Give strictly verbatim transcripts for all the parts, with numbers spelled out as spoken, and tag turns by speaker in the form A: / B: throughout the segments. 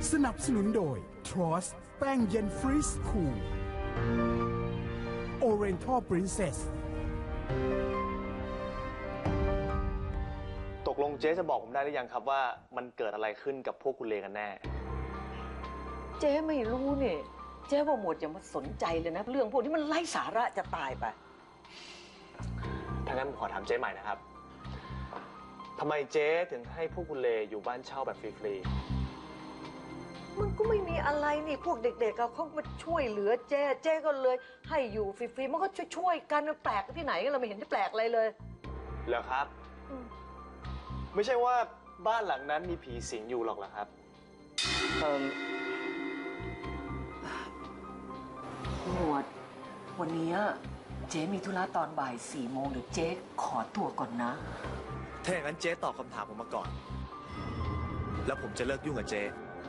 A: สนับสนุนโดย Tross แป้งเย็นฟรีสคูล Oriental Princess
B: ตกลงเจ๊จะบอกผมได้หรือยังครับว่ามันเกิดอะไรขึ้นกับพวกคุณเลกันแน่
C: เจ๊ไม่รู้เนี่ยเจ๊ว่าหมวดอย่ามาสนใจเลยนะเรื่องพวกนี้มันไร้สาระจะตายไป
B: ถ้างั้นผมขอถามเจ๊ใหม่นะครับทำไมเจ๊ถึงให้พวกคุณเลอยู่บ้านเช่าแบบฟรีๆ
C: มันก็ไม่มีอะไรนี่พวกเด็กๆเขามาช่วยเหลือเจ๊เจ๊ก็เลยให้อยู่ฟรีๆมันก็ช่วยๆกันแปลกที่ไหนเราไม่เห็นจะแปลกอะไรเลย
B: เหรอครับไม่ใช่ว่าบ้านหลังนั้นมีผีสิงอยู่หรอกเหรอครับเอ่อ
C: หมวดวันนี้เจ๊มีธุระตอนบ่ายสี่โมงเดี๋ยวเจ๊ขอตัวก่อนนะ
B: ถ้าอย่างนั้นเจ๊ตอบคำถามผมมาก่อนแล้วผมจะเลิกยุ่งกับเจ๊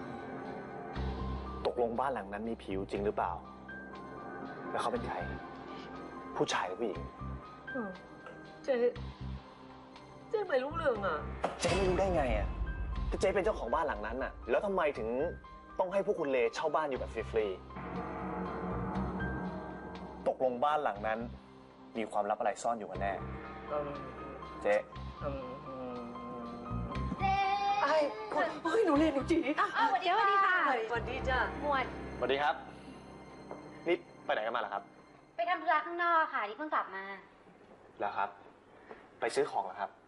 B: ตกลงบ้านหลังนั้นมีผีจริงหรือเปล่าแล้วเขาเป็นใครผู้ชายหรือผู้หญิง
C: เจ๊เจ๊ไม่รู้เรื่องอ่ะ
B: เจ๊ไม่รู้ได้ไงอ่ะถ้าเจ๊เป็นเจ้าของบ้านหลังนั้นอ่ะแล้วทำไมถึงต้องให้พวกคุณเลเช่าบ้านอยู่แบบฟรีๆตกลงบ้านหลังนั้นมีความลับอะไรซ่อนอยู่กันแน่เจ๊
C: ไอ้คนเฮ้ยหนูเรียนหนูจี
D: อ้าวสวัสดีค่ะ
C: สวัสดีจ้ะ
D: หมวด
B: สวัสดีครับนี่ไปไหนกันมาล่ะครับ
D: ไปทำธุระข้างนอกค่ะที่เพิ่งกลับมา
B: แล้วครับไปซื้อของเหรอครับ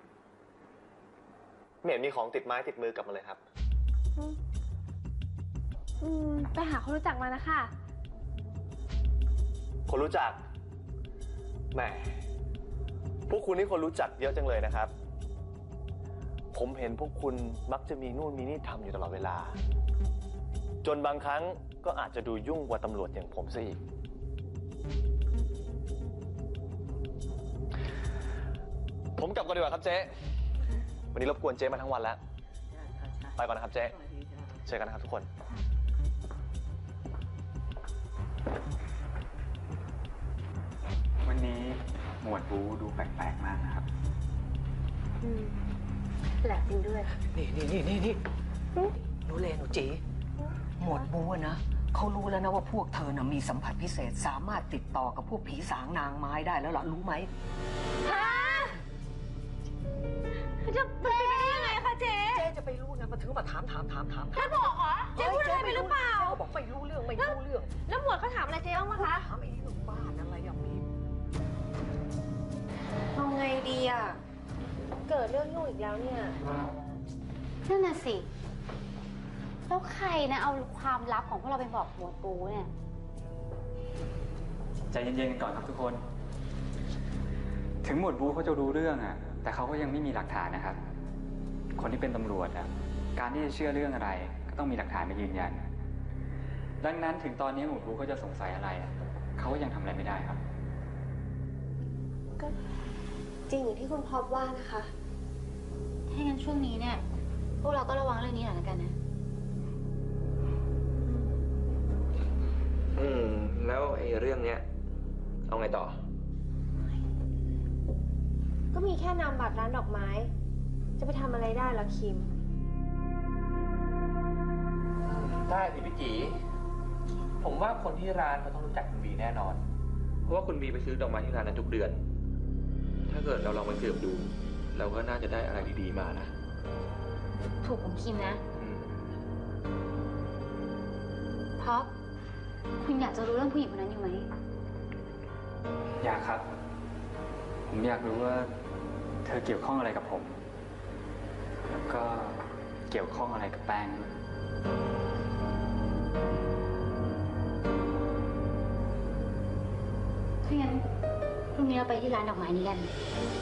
B: ไม่เห็นมีของติดไม้ติดมือกลับมาเลยครับ
D: อืมไปหาคนรู้จักมานะคะ
B: คนรู้จักแหมพวกคุณนี่คนรู้จักเยอะจังเลยนะครับผมเห็นพวกคุณมักจะมีนู่นมีนี่ทำอยู่ตลอดเวลาจนบางครั้งก็อาจจะดูยุ่งกว่าตำรวจอย่างผมซะอีกผมกลับก่อนดีกว่าครับเจ๊วันนี้รบกวนเจ๊มาทั้งวันแล้วไปก่อนนะครับเจ๊เจอกันนะครับทุกคน
E: วันนี้หมวดบูดูแปลกๆมากนะครับ
D: อืมแปลกจริงด้วย
C: นี่นี่นี่นี่นี่หนูเลหนูจีหมวดบูนะเขารู้แล้วนะว่าพวกเธอน่ะมีสัมผัสพิเศษสามารถติดต่อกับพวกผีสางนางไม้ได้แล้วล่ะรู้ไหม
D: ฮะจะเป็นไปได้ยังไงคะเจ๊
C: เจ๊จะไปรู้นะมาถือมาถามถามถามถาม
D: แล้วบอกเหรอเจ๊พูดอะไรไปหรือเปล่า
C: บอกไม่รู้เรื่องไม่รู้เรื่อง
D: แล้วหมวดเขาถามอะไรเจ๊บ้างไหมคะ
C: ถามไอ้เรื่องบ้านอะไรอย่างนี้
D: เอาไงดีอ่ะเกิดเรื่องยุ่งอีกแล้วเนี่ยนั่นน่ะสิแล้วใครนะเอาความลับของพวกเราไปบอกหมวดปูเนี่ย
E: ใจเย็นๆกันก่อนครับทุกคนถึงหมวดบูเขาจะรู้เรื่องอ่ะแต่เขาก็ยังไม่มีหลักฐานนะครับคนที่เป็นตำรวจอ่ะการที่จะเชื่อเรื่องอะไรก็ต้องมีหลักฐานมายืนยันดังนั้นถึงตอนนี้หมวดบูเขาจะสงสัยอะไรเขาก็ยังทำอะไรไม่ได้ครับ
D: ก็จริงอย่างที่คุณพอบว่านะคะถ้างั้นช่วงนี้เนี่ยพวกเราก็ระวังเรื่องนี้หน่อยละกันนะ
F: อืมแล้วไอ้เรื่องเนี้ยเอาไงต่อ
D: ก็มีแค่นามบัตรร้านดอกไม้จะไปทำอะไรได้ล่ะคิม
F: ได้สิพี่กีผมว่าคนที่ร้านเขาต้องรู้จักคุณบีแน่นอนเพราะว่าคุณบีไปซื้อดอกไม้ที่ร้านนั้นทุกเดือนถ้าเกิดเราลองไปสืบดูเราก็น่าจะได้อะไรดีๆมานะ
D: ถูกของคิมนะเพราะคุณอยากจะรู้เรื่องผู้หญิงคนนั้นอยู่ไหม
E: อยากครับผมอยากรู้ว่าเธอเกี่ยวข้องอะไรกับผมแล้วก็เกี่ยวข้องอะไรกับแป้ง
D: ถ้างั้นพรุ่งนี้เราไปที่ร้านดอกไม้นี้กัน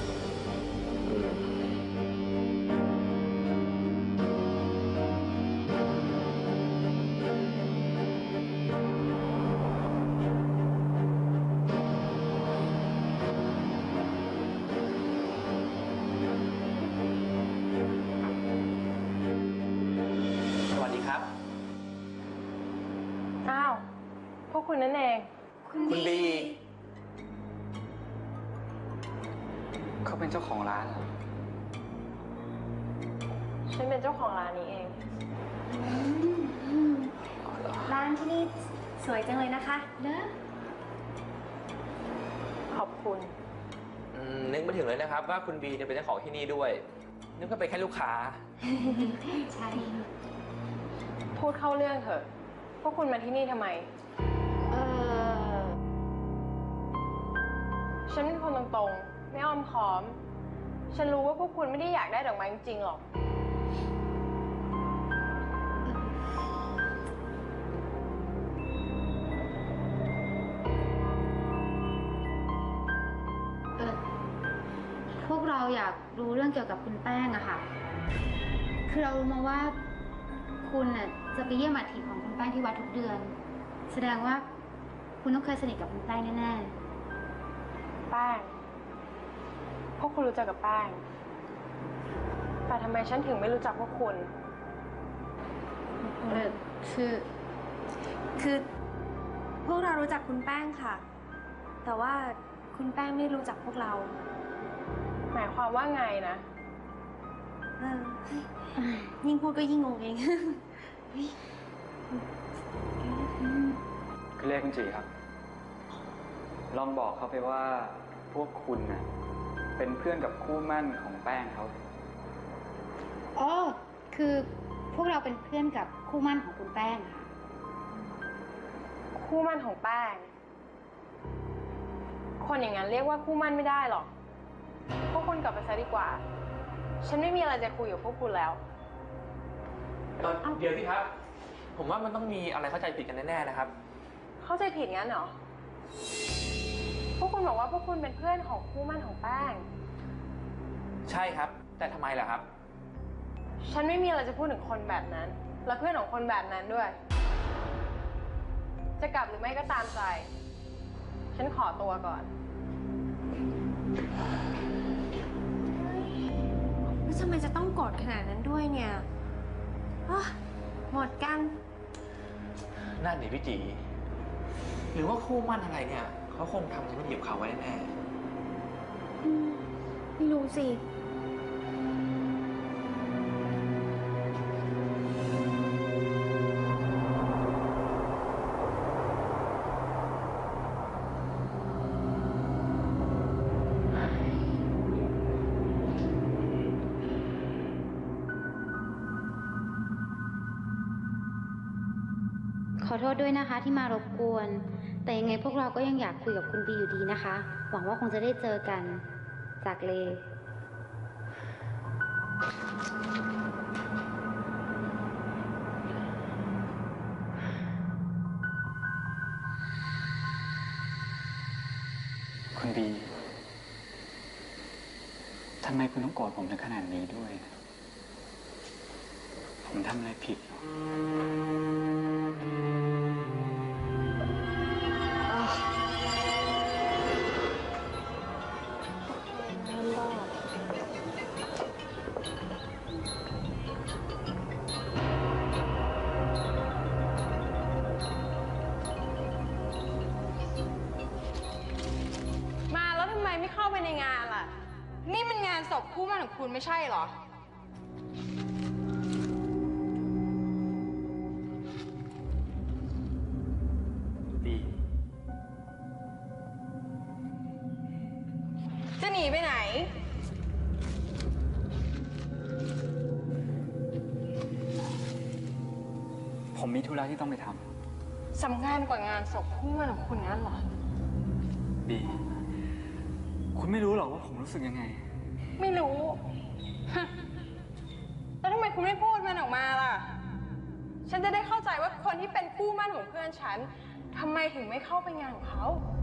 G: อ้าวพวกคุณนั่นเอง
D: คุณบี
E: เขาเป็นเจ้าของร้านเหรอ
G: ฉันเป็นเจ้าของร้านนี้เอง
D: บ้านที่นี่สวยจังเลยนะคะเนอะ
G: ขอบคุณ
F: อืมนึกไม่ถึงเลยนะครับว่าคุณบีจะเป็นเจ้าของที่นี่ด้วย นึกว่าเป็นแค่ลูกค้า
D: ใช่
G: พูดเข้าเรื่องเถอะ พวกคุณมาที่นี่ทำไม
D: เออ
G: ฉันเป็นคนตรงๆ ไม่อ้อมค้อม ฉันรู้ว่าพวกคุณไม่ได้อยากได้ดอกไม้จริงๆหรอก
D: เออ พวกเราอยากรู้เรื่องเกี่ยวกับคุณแป้งอะค่ะ คือเรารู้มาว่าคุณน่ะจะไปเยี่ยมอาทิตย์ของคุณแป้งที่วัดทุกเดือน แสดงว่าคุณต้องเคยสนิทกับคุณแป้งแน่
G: แป้ง พวกคุณรู้จักกับแป้ง แต่ทำไมฉันถึงไม่รู้จักพวกคุณ
D: ๆ เออ คือ
H: คือพวกเรารู้จักคุณแป้งค่ะ แต่ว่าคุณแป้งไม่รู้จักพวกเรา
G: หมายความว่าไงนะ
H: เออยิ่งพูดก็ยิ่งงงเอง
E: คือเลขคุณจีครับ ลองบอกเขาไปว่าพวกคุณน่ะเป็นเพื่อนกับคู่หมั่นของแป้งเขา
D: อ๋อ คือพวกเราเป็นเพื่อนกับคู่หมั่นของคุณแป้งค่ะ
G: คู่หมั่นของแป้ง คนอย่างนั้นเรียกว่าคู่หมั่นไม่ได้หรอก พวกคุณกลับไปซะดีกว่า ฉันไม่มีอะไรจะคุยกับพวกคุณแล้ว
F: เดี๋ยวสิครับ ผมว่ามันต้องมีอะไรเข้าใจผิดกันแน่ๆนะครับ
G: เข้าใจผิดงั้นเหรอ พวกคุณบอกว่าพวกคุณเป็นเพื่อนของคู่หมั่นของแป้ง
F: ใช่ครับ แต่ทำไมล่ะครับ
G: ฉันไม่มีอะไรจะพูดถึงคนแบบนั้น และเพื่อนของคนแบบนั้นด้วย จะกลับหรือไม่ก็ตามใจ ฉันขอตัวก่อน
H: แล้วทำไมจะต้องโกรธขนาดนั้นด้วยเนี่ยอ๊ะหมดกัน
F: นั่นดิพี่จีหรือว่าคู่มั่นอะไรเนี่ยเขาคงทำอะไรไม่ดีกับเขาไว้แน่
H: อืมไม่รู้สิ
D: ขอโทษด้วยนะคะที่มารบกวน แต่ยังไงพวกเราก็ยังอยากคุยกับคุณบีอยู่ดีนะคะ หวังว่าคงจะได้เจอกัน จากเล
E: คุณบีทำไมคุณต้องโกรธผมถึงขนาดนี้ด้วย ผมทำอะไรผิดเหรอ
G: มาแล้วทำไมไม่เข้าไปในงานล่ะ นี่มันงานศพคู่หมั่นของคุณไม่ใช่เหรอ
E: บี
G: จะหนีไปไหน
E: ผมมีธุระที่ต้องไปท
G: สำคัญกว่างานศพคู่หมั่นของคุณงั้นเหรอ
E: ำ บี คุณไม่รู้หรอกว่าผมรู้สึกยังไง
G: ไม่รู้ แล้วทำไมคุณไม่พูดมันออกมาล่ะ ฉันจะได้เข้าใจว่าคนที่เป็นคู่หมั่นของเพื่อนฉันทำไมถึงไม่เข้าไปงานของเขา